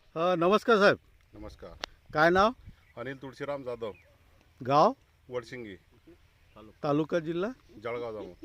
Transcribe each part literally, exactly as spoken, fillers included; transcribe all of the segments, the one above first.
अ, नमस्कार साहेब. नमस्कार. काय नाव? अनिल तुळशीराम जाधव, गाव? वडसिंगी, तालुका जिल्हा? जळगाव जामोद.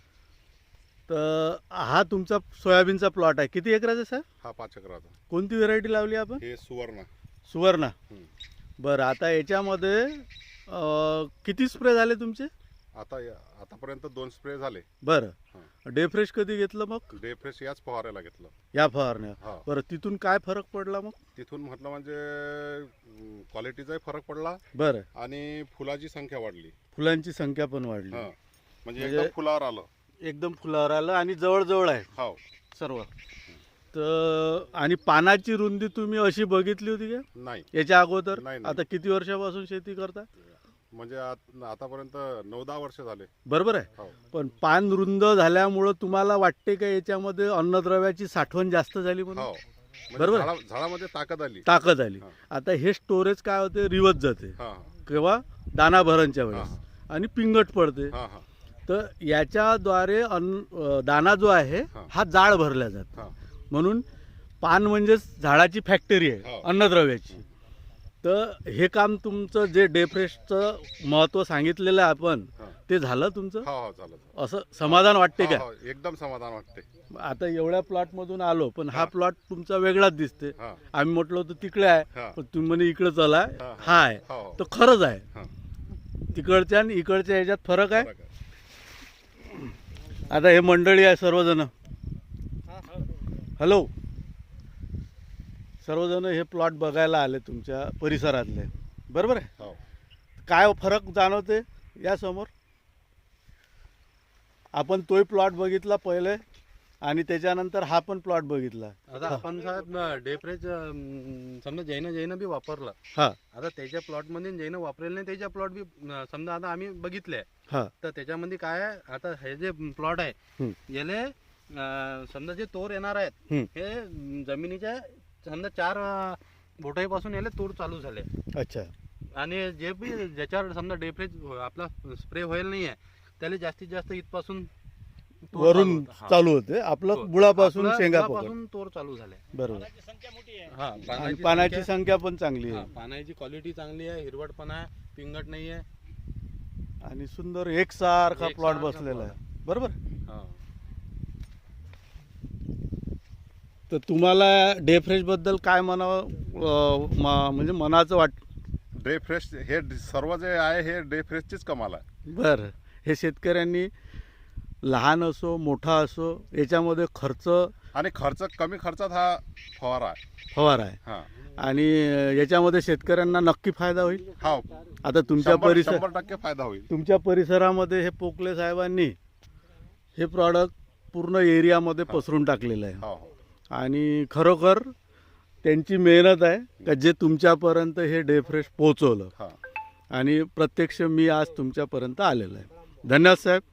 तर हा तुमचा सोयाबीनचा प्लॉट आहे. किती एकराचा आहे साहेब? हा पाच एकराचा. कोणती व्हेरायटी लावली आपण? हे सुवर्ण. सुवर्णा. हं. बरं, आता याच्यामध्ये अ, किती स्प्रे झाले तुमचे? आता या- आतापर्यंत दोन स्प्रे झाले. बरं. हां. डे फ्रेश कधी घेतलं मग? डे फ्रेश याच फवारायला घेतलं. या फवारण्या. हा. बरं, तिथून काय फरक पडला मग? तिथून म्हटलं म्हणजे क्वालिटीचाही फरक पडला बरं, आणि फुलाची संख्या वाढली. फुलांची संख्या पण वाढली. हा म्हणजे म्हणजे- एकदम फुलावर आलं. एकदम फुलावर आलं आणि जवळजवळ आहे हो. सर्व. तर आणि पानाची रुंदी तुम्ही अशी बघितली होती का नाही याच्या अगोदर? नाही, नाही. आता किती वर्षापासून शेती करता? म्हणजे आत- आतापर्यंत नऊ दहा वर्ष झाले. बरोबर आहे. हो. पण पान रुंद झाल्यामुळं तुम्हाला वाटते का याच्यामध्ये अन्नद्रव्याची साठवण जास्त झाली म्हणून? हो म्हणजे बरोबर. झाडा- झाडामध्ये ताकद आली. ताकद आली. हा. आता हे स्टोरेज काय होते, रिवत जाते हा किंवा दाना भरणच्या वेळेस हा. आणि पिंगट पडते. हा हा तर याच्याद्वारे अन्न अ, दाना जो आहे हा. हा जाळ भरला जातो. हा म्हणून पान म्हणजे झाडाची फॅक्टरी आहे हो. अन्नद्रव्याची. तर हे काम तुमचं जे डे फ्रेशचं महत्त्व सांगितलेलं आहे आपण, हा. ते झालं तुमचं? हो हो चालेल. असं समाधान वाटते हो, का? हो, एकदम समाधान वाटते. आता एवढ्या प्लॉटमधून आलो, पण हा हा. प्लॉट तुमचा वेगळाच दिसते. हा आम्ही म्हटलं होतं तिकडे आहे, हा पण तुम्ही म्हणे इकडे चला, हा, हा. हा आहे. हो हो. तर खरंच आहे. हा. तिकडच्या आणि इकडच्या ह्याच्यात फरक आहे. बरं का? आता हे मंडळी आहे सर्वजण. हॅलो. सर्वजण हे प्लॉट बघायला आले तुमच्या परिसरातले, बरोबर आहे? हो. काय फरक जाणवते या समोर? आपण तोही प्लॉट बघितला पहिले आणि त्याच्यानंतर हा पण प्लॉट बघितला. आता आपण साहेब डेफ्रेज समजा जैन जैन बी वापरलं. हा आता त्याच्या प्लॉटमध्ये जैन वापरेल नाही, त्याच्या प्लॉट बी अं, समजा आता आम्ही बघितले. हा तर त्याच्यामध्ये काय आहे, आता हे जे प्लॉट आहे हं. याले अं, समजा जे तोर येणार आहेत हं. हे अं, जमिनीच्या समजा चार अं, बोटाईपासून याले तोर चालू झाले. अच्छा. आणि जे बी ज्याच्यावर समजा डेफ्रेज आपला स्प्रे होईल नाही आहे त्याला जास्तीत जास्त इथपासून तोर वरून चालू होतं. हा. चालू होते आपलं हो. बुळापासून आपलं शेंगा पकड. बुडापासून तोर चालू झाले. बरोबर. हा आणि पानाची पानाची संख्या- संख्या पण चांगली हा, आहे पानाची क्वालिटी चांगली आहे, हिरवटपणा आहे, पिंगट नाही आहे. आणि सुंदर एकसारखा एकसारखा प्लॉट बसलेला plot. आहे, बरोबर. हा. तर तुम्हाला डे फ्रेश बद्दल काय म्हणावं, अं, म- म्हणजे मनाचं वाट? डे फ्रेश हे ड- सर्व जे आहे हे डे फ्रेशचीच कमाल आहे. बरं, हे शेतकऱ्यांनी लहान असो मोठा असो याच्यामध्ये खर्च आणि खर्च कमी खर्चात हा फवारा आहे. फवारा आहे हा आणि याच्यामध्ये शेतकऱ्यांना नक्की फायदा होईल. हा आता तुमच्या शंभर परिसर शंभर टक्के फायदा होईल. तुमच्या परिसरामध्ये हे पोकले साहेबांनी हे प्रॉडक्ट पूर्ण एरियामध्ये पसरून टाकलेलं आहे हो हो आणि खरोखर त्यांची मेहनत आहे का जे तुमच्यापर्यंत हे डे फ्रेश पोहोचवलं हा आणि प्रत्यक्ष मी आज तुमच्यापर्यंत आलेलो आहे. धन्यवाद साहेब.